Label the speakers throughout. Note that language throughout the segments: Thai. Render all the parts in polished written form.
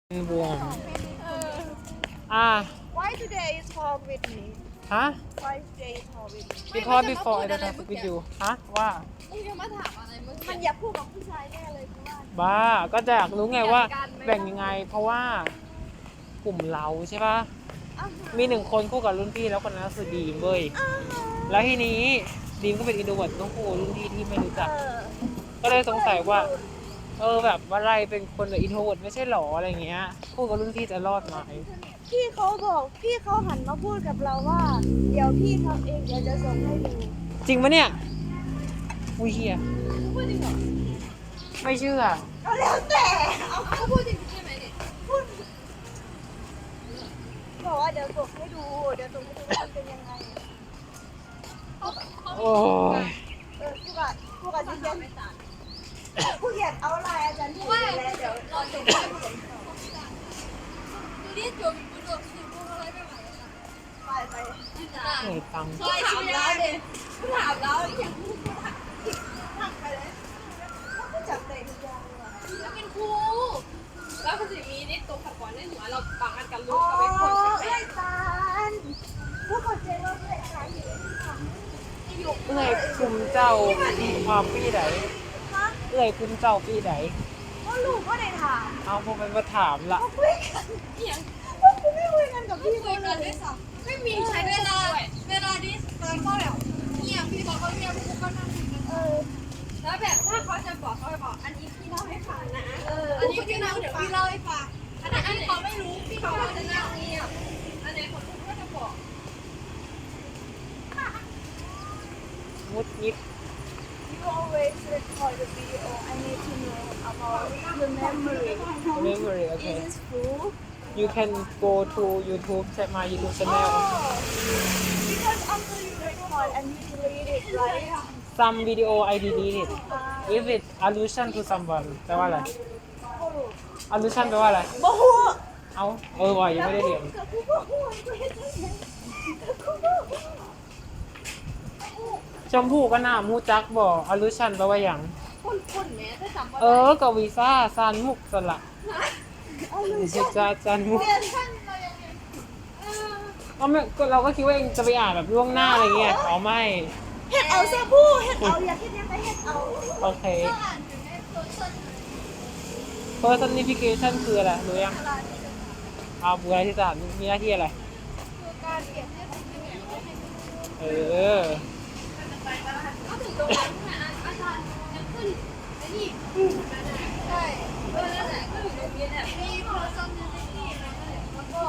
Speaker 1: วง
Speaker 2: Why today is hard with me?
Speaker 1: ฮะ
Speaker 2: Why today is hard with me?
Speaker 1: because before I don't have with you ฮะว่า
Speaker 3: มึงจะมาถามอะไรเมื่อ
Speaker 2: มั
Speaker 3: กี้
Speaker 2: นอย่าพูดกับผู้ชายแน่เลยคือว่า
Speaker 1: บ้าก็จะอยากรู้ไงว่าแบ่งยังไง เพราะว่ากลุ่มเราใช่ปะมีหนึ่งคนคู่กับรุ่นพี่แล้วคนนั้นคือดีมเว้ยแล้วทีนี้ดีมก็เป็นอินโทรเวิร์ตต้องคู่รุ่นพี่ที่ไม่รู้จัก ก็เลยสงสัยว่าแบบว่าไรเป็นคนอินโทรเวิร์ตไม่ใช่หรออะไรเงี้ยคู่กับรุ่นพี่จะรอดไหม
Speaker 2: พี่เขาหันมาพูดกับเราว่า เดี๋ยวพี่ทำเองเดี๋ยวจะส่งให้ดู
Speaker 1: จริงปะเนี่ยอุ้ยเฮีย
Speaker 3: พูดจริงเหรอ
Speaker 1: ไม่เชื่อ
Speaker 2: ก็แล้วแต่เอา
Speaker 3: เขาพูดจริงใช่ไหมเนี่ย
Speaker 2: พูดบอกว่าเดี๋ยวส่งให้ดูเดี๋ยวส่งให้ดูว่ามันเป็นยังไง
Speaker 1: โอ้ย
Speaker 2: พูดกับที่เรียนผู้เรียนเอาไลน์อาจารย์ที่แล้วเดี๋ยวรอจบให้ผม
Speaker 3: ดูดิจบดูจบสิพูดอะไรไม่ไหวแล้ว
Speaker 2: ไป
Speaker 3: จิตา
Speaker 1: เหนื่อยตังค์
Speaker 3: ถามแล้วเด็ถามแล้วอย่างพูด
Speaker 2: ทำไปเลยแล้วก็จับเตะทุกอย่างเลย
Speaker 3: แล้วเป็นครูแล้วภาษีมีนี่ตัวขัดขวางในหัวเราปังกันกับลู
Speaker 2: อ๋
Speaker 3: ก
Speaker 2: อ
Speaker 3: กับไอ้คนใช่ไหม
Speaker 2: เอ้ยตาลผู้คนเจว่าเพื่อนตาลอยู่ที่ทำ
Speaker 1: เอื้อยคุมเจ้าความปีไหน
Speaker 2: ฮะ
Speaker 1: เอื้อยคุมเจ้าปีไหน
Speaker 2: ก็ลูกก็ได้ถาม
Speaker 1: เอาพวกมันมาถามละ
Speaker 2: เขาคุยกัน
Speaker 3: อย่าง
Speaker 2: พวกกูไม่คุยกันกับพี่
Speaker 3: คุย
Speaker 2: เขา
Speaker 3: กัน
Speaker 2: เล
Speaker 3: ด้วย ยซ้ำไม่มีใช้เวลาดิตอนก็แบบเงียบพี่บอกเขาเงียบพวกก็นั่งคุยกันแล้วแบบถ้าเขาจะบอกเขาจะบอกอันนี้พี่เล่าให้ฟังนะอันนี้พี่เล่าเดี๋ยวพี่เล่าให้ฟังอันนี้เขาไม่รู้พี่เขาจะนั่งเงียบอันนี้คนก็จะบอก
Speaker 1: มุดยิด
Speaker 2: You always record the video. I need to know about your memory.
Speaker 1: memory okay
Speaker 2: Is this full?
Speaker 1: you can go to YouTube check my YouTube channel
Speaker 2: Because after you record and you delete it, right?
Speaker 1: some video I deleted if it allusion to someone แปลว่าอะไร allusion แปลว่าอะไร
Speaker 2: โอ้โห
Speaker 1: เอาว่ะยังไม่ได้เรียน
Speaker 2: กับกูบอกว่ากูเห็นจังไงกับกูบอกว่า
Speaker 1: ชมพู่ก็น่ามูจักบอก allusion แปลว่าอย่าง
Speaker 3: คนแม้ถ้าจำว่า
Speaker 1: กับวีซ่าซานมุกสละ
Speaker 2: เอาเลย
Speaker 1: จะซานมุก
Speaker 2: เรียนท่านเรายังไง
Speaker 1: เราก็คิดว่าเองจะไปอ่านแบบล่วงหน้าอะไรเงี้ยอ๋อไม่
Speaker 2: เฮ็ดเอาซะผู้เฮ็ดเอาอยากเฮ็ดยังไงเฮ็ดเอา
Speaker 1: โอเค personification คืออะไรรู้ยังบุคลาธิศาสตร์มีหน้าที่อะไร
Speaker 2: คือการเปรียบเทียบสิ่งที่ไม่ให้
Speaker 3: ก็ถึงตรงนั้นอาจารย์จะขึ้นไอ้นี่ใช่นั่นแหละก็อยู่ตรงนี้แหละมีพอซ้อมในนี่แล้วก็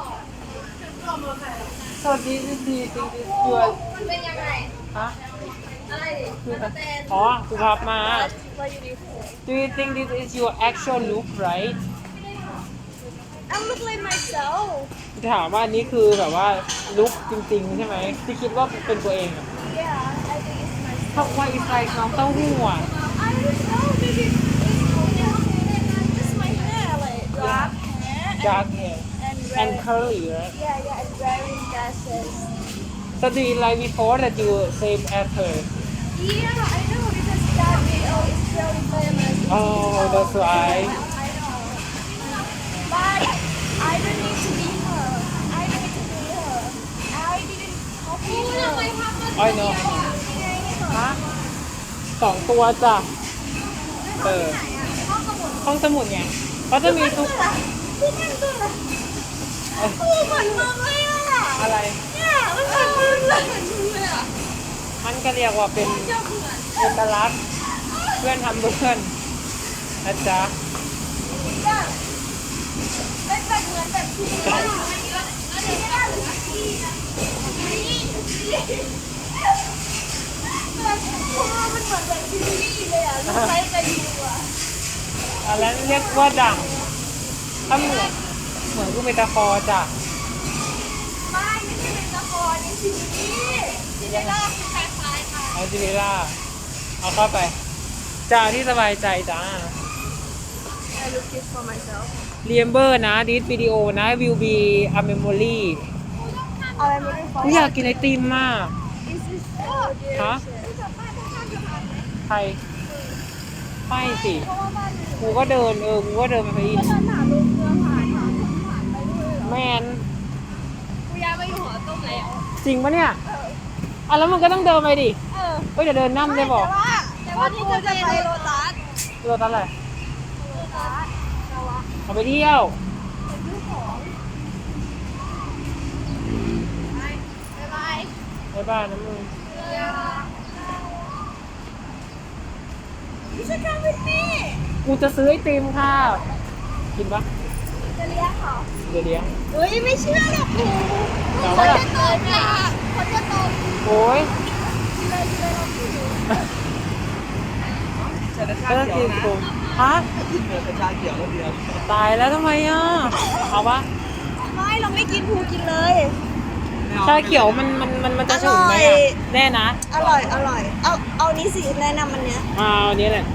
Speaker 1: so this is the thing is your
Speaker 3: มันเป็นยังไง
Speaker 1: ฮะ
Speaker 3: อะไรดิ
Speaker 1: คือ
Speaker 3: สแตน
Speaker 1: สุภาพมา
Speaker 2: ว่าอยู่ดี
Speaker 1: do you think this is your actual look right
Speaker 2: I look like myself
Speaker 1: ถามว่าอันนี้คือแบบว่าลุคจริงๆใช่ไหมที่คิดว่าเป็นตัวเองอะ
Speaker 2: Yeah I think it's myself
Speaker 1: เพราะว่า it's like น้องเต้าหู้อะ
Speaker 2: I don't know maybe it's just my hair like dark hair
Speaker 1: dark hair
Speaker 2: and
Speaker 1: and
Speaker 2: red
Speaker 1: curly right
Speaker 2: yeah and wearing glasses
Speaker 1: so do you like before that you same as her
Speaker 2: yeah I know because that video is really famous
Speaker 1: oh that's why
Speaker 2: I know but I don't need to be her I don't need to be her I didn't copy
Speaker 3: ทำไม
Speaker 2: her
Speaker 3: ทำมา
Speaker 1: I know ฮะ2 ตัวจ้ะห้องสมุดไงก็จะมีทุก
Speaker 2: พี่แม่งตัวอะไรเหมือนมึงเลยอ่ะ
Speaker 1: อะไร
Speaker 2: เนี่ยมันเหมือนมึงเลย
Speaker 3: เลยอ่ะ
Speaker 1: มันก็เรียกว่าเป็น
Speaker 3: เจ้าเหมือน
Speaker 1: เอกลักษณ์เพื่อนทำเพื่อนนะจ๊ะ
Speaker 2: เป็นแบบเหมือนแบบที่ว่าที่ว่าหรือที่นะแบบพวกมันเหมือนแบบที่นี่เลยอ่ะลูกไม้กันอยู่อ่ะ
Speaker 1: อันนั้นเรียกว่าดั่งถ้าเหมือนกูเมตาฟอร์จ้ะ
Speaker 2: ไม่ใช่เป็นละครในซีรีส์ที่ได้รอบคล้ายๆค่ะ
Speaker 1: เอาจิเวล่าเอาเข้าไปจ้าที่สบายใจจ้า
Speaker 2: I look it for myself
Speaker 1: เรียมเบอร์นะดิสวิดีโอนะ will be a memory
Speaker 2: อะไรไม่ได้ฟัง
Speaker 1: กูอยากกินไอติมมาก
Speaker 2: Is this
Speaker 1: ฮะ ใครไปสิ
Speaker 2: เพราะว่าบ้าน
Speaker 1: กูก็เดินไปพระอินทร์
Speaker 2: ฉันหาลูกเรือผ่าน
Speaker 1: น
Speaker 3: กูย้ายมาอยู่หอต้มแล้ว
Speaker 1: จริงปะเนี่ยอ่ะแล้วมันก็ต้องเดินไปดิ
Speaker 2: เออ
Speaker 1: เฮ้ยเดี๋ยวเดินนั่ได้บอก
Speaker 2: แต่ว่าที่จะไปโรตัส
Speaker 1: ตัวตั้งอะไร
Speaker 2: โรตัสเราอะ
Speaker 1: เอาไปเที่ยว
Speaker 2: ไปซื้อของ
Speaker 3: บ๊ายบาย
Speaker 1: ไปบ้านนะมึง
Speaker 2: พี่ช่วยกันวินนี่
Speaker 1: กูจะซื้อไอติมค่ะ กินปะ
Speaker 2: จะเลี้ยงเหรอ
Speaker 1: เดี๋ยวเลี้ยง
Speaker 2: เฮ้ยไม่เชื่อหรอกครู
Speaker 1: แต่
Speaker 2: เขา
Speaker 1: ว่า
Speaker 2: จะตบอ่ะเขาจะตบ
Speaker 1: โอ้ย
Speaker 2: เลยเราผิว
Speaker 1: ก็ต้องกินกูฮะ
Speaker 4: เป็นชาเขียวแล้วเดียว
Speaker 1: ตายแล้วทำไมอ่ะ เอาปะ
Speaker 2: ไม่เราไม่กินภูกินเลย
Speaker 1: ชาเขียวมันจะฉุนไหม
Speaker 2: อร่
Speaker 1: อ่ะ
Speaker 2: อย
Speaker 1: แน่นะ
Speaker 2: อร่อยเอานี้สิแนะนำอันเนี้ย
Speaker 1: เอาอันนี้แหละ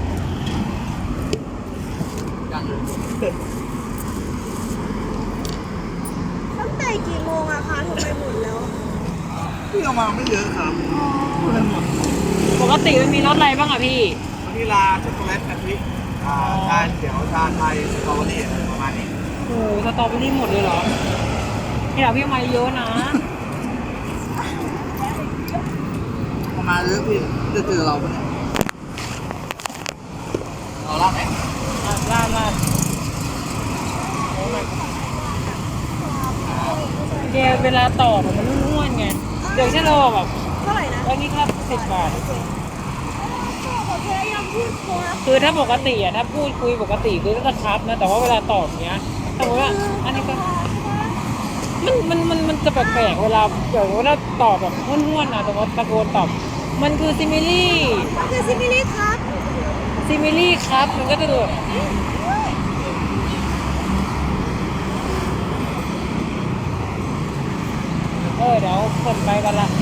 Speaker 2: ตั้งแต่กี่โมงอะคะทำไมหมดแล้ว
Speaker 4: พี่เอามาไม่เยอะครับพูดเลยหมด
Speaker 1: ปกติมันมีรสอะไรบ้างอ่ะพี่
Speaker 4: วานิลาช็อกโกแลตกะทิชาเขียวชาไทยสตรอเบอรี่อะไรประมาณนี้
Speaker 1: โอ้โหสตรอเบอรี่หมดเลยเหรอนี่เราพี่เอามาเยอะนะ
Speaker 4: ประมาณเยอะพี่จะเจอเราปะเนี่ยเราลาดไหม
Speaker 1: อ่ะลาดลาดโอ้ my god แกเวลาตอบอะมันง่วนๆไง เดี๋ยวฉันรอแบบ
Speaker 2: เท่าไหร่นะ
Speaker 1: แล้วนี่ครับ10 บาท
Speaker 2: โอเคยังพูดกลัว
Speaker 1: คือถ้าปกติอ่ะถ้าพูดคุยปกติคือก็จะครับนะ แต่ว่าเวลาตอบเนี้ยสมมติว่าอันนี้ก็มันจะแปลกๆเวลาตอบแบบห้วนๆนะแต่ว่าตะโกนตอบ มันคือซิมิลี่
Speaker 2: มันคือซิมิลี่ครับ
Speaker 1: ซิมิลี่ครับ มันก็จะดูแบบเดี๋ยวคนไปกันละ